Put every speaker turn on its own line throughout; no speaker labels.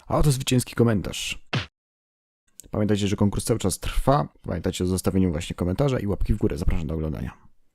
A oto zwycięski komentarz. Pamiętajcie, że konkurs cały czas trwa. Pamiętajcie o zostawieniu właśnie komentarza i łapki w górę. Zapraszam do oglądania.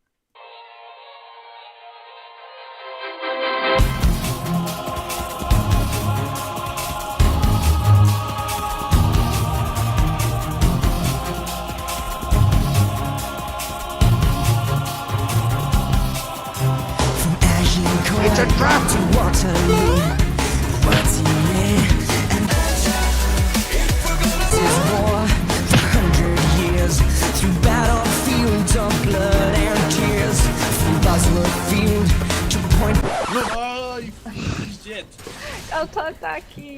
It's a trap to Waterloo. What's in it? And this is war for 100 years. Through battlefields of blood and tears. From Bosworth Field to Point.
Oj, shit.
Autoataki!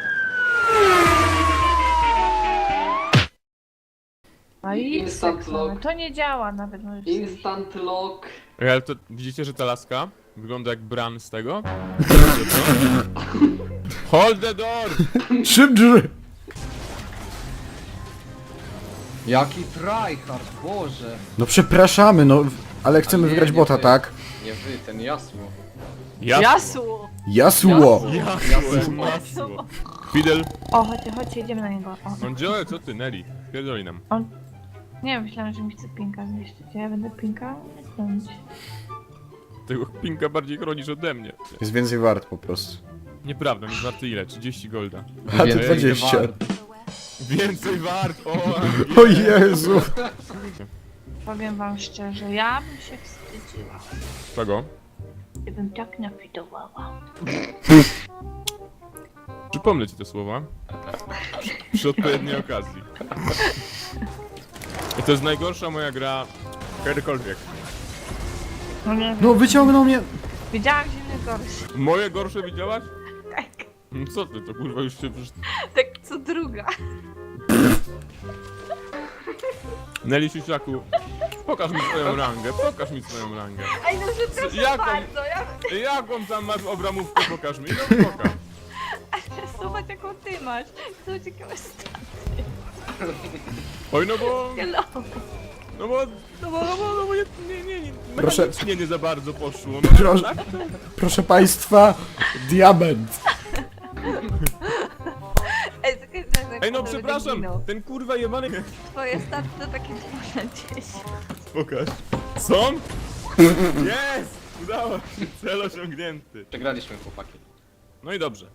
No i
Instant lock.
to nie działa nawet. No
Instant lock.
Ej, ale to widzicie, że ta laska wygląda jak Bran z tego? Hold the door!
Szybdrzy!
Jaki tryhard, Boże.
No przepraszamy, no, ale chcemy
nie,
wygrać
nie
bota,
wy.
tak?
Nie wy, ten jasło.
Jasło!
Jasło!
Masło! Fidel!
O, chodźcie, jedziemy na niego. O.
No Joe, co ty, Nelly? Pierdoli nam.
Nie wiem, myślałem, że mi chce pinka zniszczyć. Ja będę pinka zdjąć.
Tego pinka bardziej chronisz ode mnie.
Jest więcej wart po prostu.
Nieprawda, jest warty ile? 30 golda.
A ty
Więcej
20.
wart.
Więcej wart!
O Jezu!
Powiem wam szczerze, ja bym się wstydziła,
Czego?
gdybym tak nafidowała.
Przypomnę ci te słowa. Przy odpowiedniej okazji. I to jest najgorsza moja gra kiedykolwiek.
No nie wiem.
No wyciągnął mnie!
Widziałam zimny gorszy.
Moje gorsze widziałaś?
Tak,
No co ty, to kurwa już się przecież...
tak co druga.
Nelly Siusiaku, pokaż mi swoją rangę, pokaż mi swoją rangę.
Ej, no przepraszam
Jaką?
bardzo, ja
Jaką tam masz obramówkę, pokaż mi, no pokaż.
zobacz jaką ty masz. Zobacz jakie masz stany.
Oj, no bo...
Hello.
No bo nie,
Proszę.
mechanicznie nie za bardzo poszło. No,
Proszę.
tak?
Proszę państwa, diament!
Ej, no przepraszam, ten kurwa jebany...
Twoje staty to takie 2 na 10.
Pokaż. Są? Jest! Udało się, cel osiągnięty.
Przegraliśmy, chłopaki.
No i dobrze.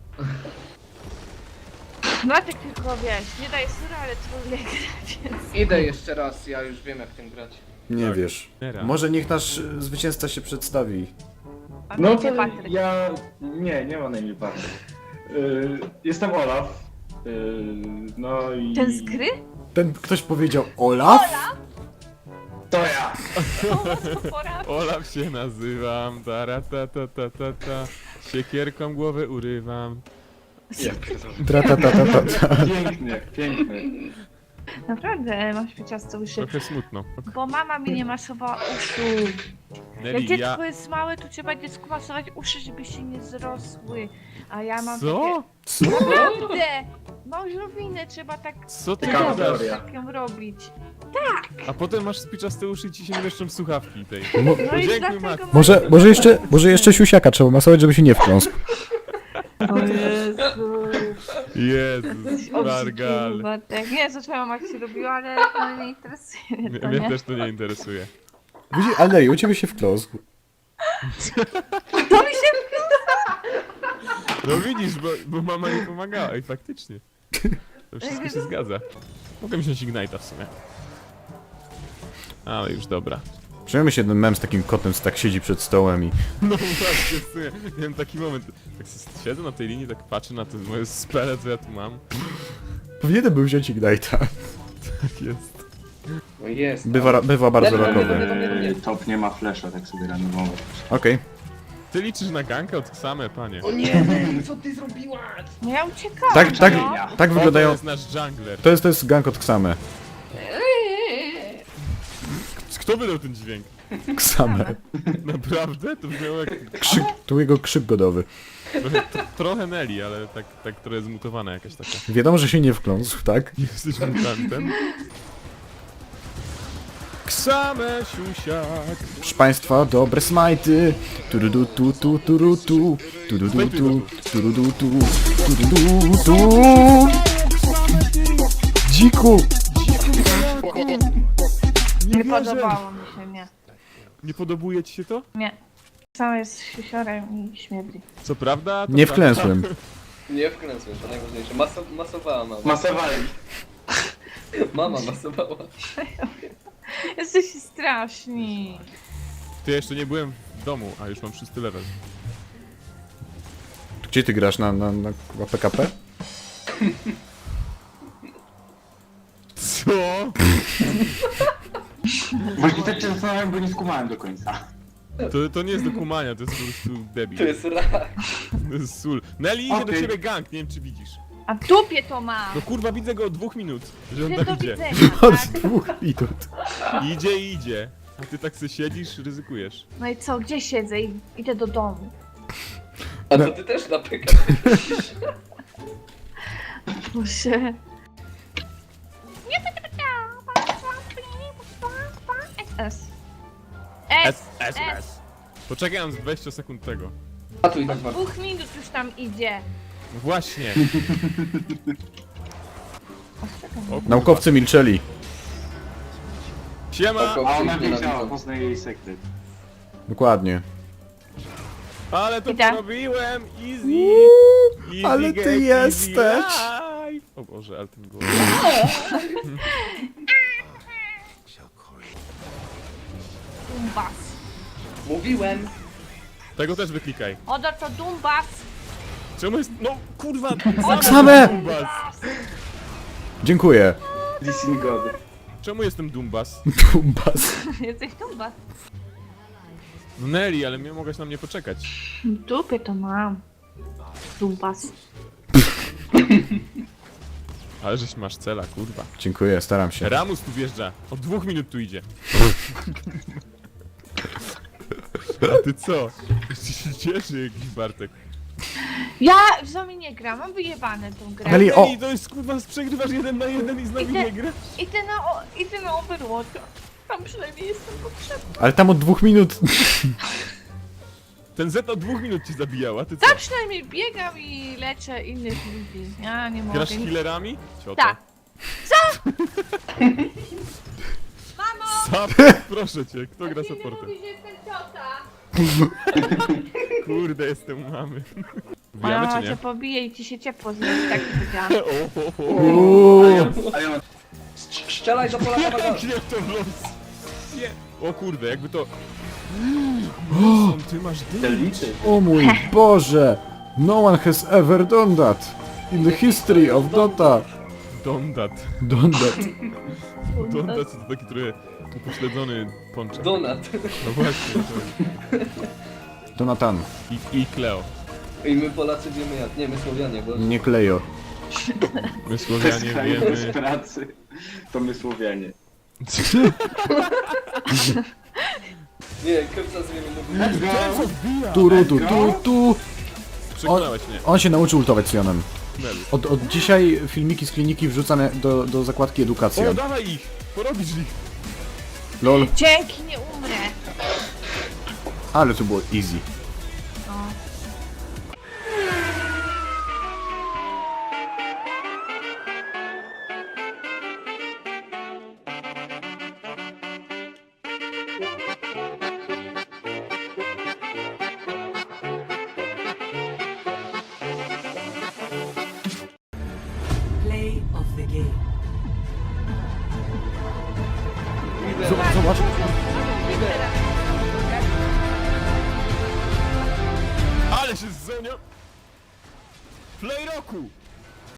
No tak tylko wiesz, nie daj sury, ale trudniej grać, więc...
Idę jeszcze raz, ja już wiem jak tym grać.
Nie
Tak.
wiesz.
Teraz.
Może niech nasz zwycięzca się przedstawi.
A
No
gdzie
to
Patryk?
ja... Nie ma na imię Patryk. Jestem Olaf. No i...
Ten z gry?
Ten ktoś powiedział Olaf?
To ja!
To pora.
Olaf się nazywam, ta. Siekierką głowę urywam.
Tra-ta-ta-ta-ta.
Piękny.
Naprawdę masz pieciasto uszy.
Trochę smutno.
Bo mama mi nie masowała uszu. Jak
Nelly,
dziecko
ja...
jest małe, to trzeba dziecku masować uszy, żeby się nie zrosły. A ja mam
Co?
Co?
takie... Naprawdę! Małżowinę trzeba tak...
Co ty
Ciekawa
gadasz?
teoria.
Tak ją robić.
A potem masz spiczaste uszy i ci się nie mieszczą w słuchawki tej.
No i
Dziękuję,
dlatego...
matko.
Może jeszcze siusiaka trzeba masować, żeby się nie wkląsł.
O Jezu.
Jezus, Margal.
Tak, nie wiem, co twoja mama ci robiła, ale no, nie interesuje mnie to,
Mnie
nie?
też to nie interesuje.
Widzi, ale u ciebie się wkląsł.
To mi się...
No widzisz, bo mama nie pomagała. Ej, faktycznie. To wszystko się zgadza. Mogę mieć Ignite'a w sumie. Ale już dobra.
Przyjmijmy się ten mem z takim kotem, co tak siedzi przed stołem i...
No właśnie, w sumie. Miałem taki moment. Tak siedzę na tej linii, tak patrzę na te moje spele, co ja tu mam.
Powinienem był wziąć Ignite'a.
Tak jest.
No jest.
Bywa bardzo
Dobra,
rokowy.
dobra.
Top nie ma flasha, tak sobie randomowo.
Okej.
Ty liczysz na gankę od same, panie.
O nie, co ty zrobiłaś?
No ja uciekałam,
Tak
To
wyglądają...
jest nasz jungler.
To jest gank od Ksame.
Kto wydał ten dźwięk?
Ksame.
Naprawdę? To brzmiało jak
To jego krzyk godowy.
trochę Nelly, ale tak trochę zmutowana jakaś taka.
Wiadomo, że się nie wkląsł, tak?
Jesteś mutantem? Ksame siusiak.
Proszę państwa, dobre smajty. Turudu tu tu turutu. Turudu tu turudu tu. Dziku!
Nie podobało mi się, nie.
Nie podobuje ci się to?
Nie. Sam jest siusiorem i śmierdzi.
Co prawda? To
Nie
prawda.
wklęsłem.
Nie wkręcłem, to najważniejsze. Masowała mama.
Masowali.
Mama masowała.
Jesteście straszni.
Ty, ja jeszcze nie byłem w domu, a już mam 6 level.
Gdzie ty grasz? Na PKP?
Co?
Właśnie tak się zastanawiam, bo nie skumałem do końca.
To nie jest do kumania, to jest po prostu debil.
To jest rak.
To jest sól. Nelly idzie do
Okej.
ciebie gang, nie wiem czy widzisz.
A w dupie to mam.
No kurwa, widzę go od 2 minut, że on
Ty
tam
do
idzie.
widzenia,
Od
tak?
2 minut.
Idzie i idzie. A ty tak sobie siedzisz, ryzykujesz.
No i co, gdzie siedzę? Idę do domu.
A to ty też na PK.
Boże. SS.
S. Poczekaj, mam z 20 sekund tego.
A tu i tak bardzo.
2 minut już tam idzie.
No właśnie. O, kurwa.
Naukowcy milczeli.
Siema!
Oko.
A ona
Nienawidzą.
wiedziała, poznaje jej sekret.
Dokładnie.
Ale to
Idę.
porobiłem! Easy! Easy
ale ty
game, easy
jesteś.
life. O Boże, ale ten głos.
Dumbas.
Mówiłem.
Tego też wyklikaj.
Odo to Dumbas.
Czemu jest... No kurwa!
Same!
Dumbas!
Dziękuję.
Listen God.
Czemu jestem Dumbas?
Tumbas.
Jesteś Dumbas.
No Nelly, ale mogłaś na mnie poczekać.
W dupie to mam. Dumbas.
Ale żeś masz cela, kurwa.
Dziękuję, staram się.
Ramus tu wjeżdża. Od 2 minut tu idzie. A ty co? Jeszcze się cieszy jakiś Bartek.
Ja w zombie nie gram, mam wyjebane tą grę.
Nelly, o!
Nelly, to jest kurwa, przegrywasz 1 na 1 i z nami
Idę.
nie gra.
Idę na Overwatcha. Tam przynajmniej jestem potrzebna.
Ale tam od 2 minut.
Ten Z od 2 minut cię zabijał, a ty co?
Tam przynajmniej biegam i leczę innych ludzi. Ja nie mogę.
Grasz healerami? Ciota.
Tak.
Support, proszę cię, kto gra supportem?
Mówi, że jestem ciota.
Kurde, jestem mamy.
Moja
Wbijamy
mama
czy
cię
nie?
pobije i ci się ciepło zrobi, tak powiedziałam.
A ja
Strzelaj do pola bagażu.
Nie w to w los. Nie. O kurde, jakby to... Ty masz dym.
liczy.
O mój Boże! No one has ever done that in the history of Dota.
Dondat.
Done that.
Dondat to taki trochę upośledzony ponczek.
Donat.
No właśnie.
Donatan,
I Cleo.
I my Polacy wiemy jak. Nie, my Słowianie, bo...
nie Klejo.
My
Bez
Słowianie
kraju, bez
wiemy...
pracy. To my Słowianie.
Nie, Krypta z wiemy mówi.
Let's go!
Tu.
Przekonałeś mnie.
On się nauczył ultować Sionem.
Nelly.
Od dzisiaj filmiki z kliniki wrzucane do zakładki edukacja.
O, dawaj ich! Porobisz ich!
Lol,
Dzięki, nie umrę.
ale to było easy.
No.
Play of the game.
Zobacz.
Ale się z Zonio... Play roku!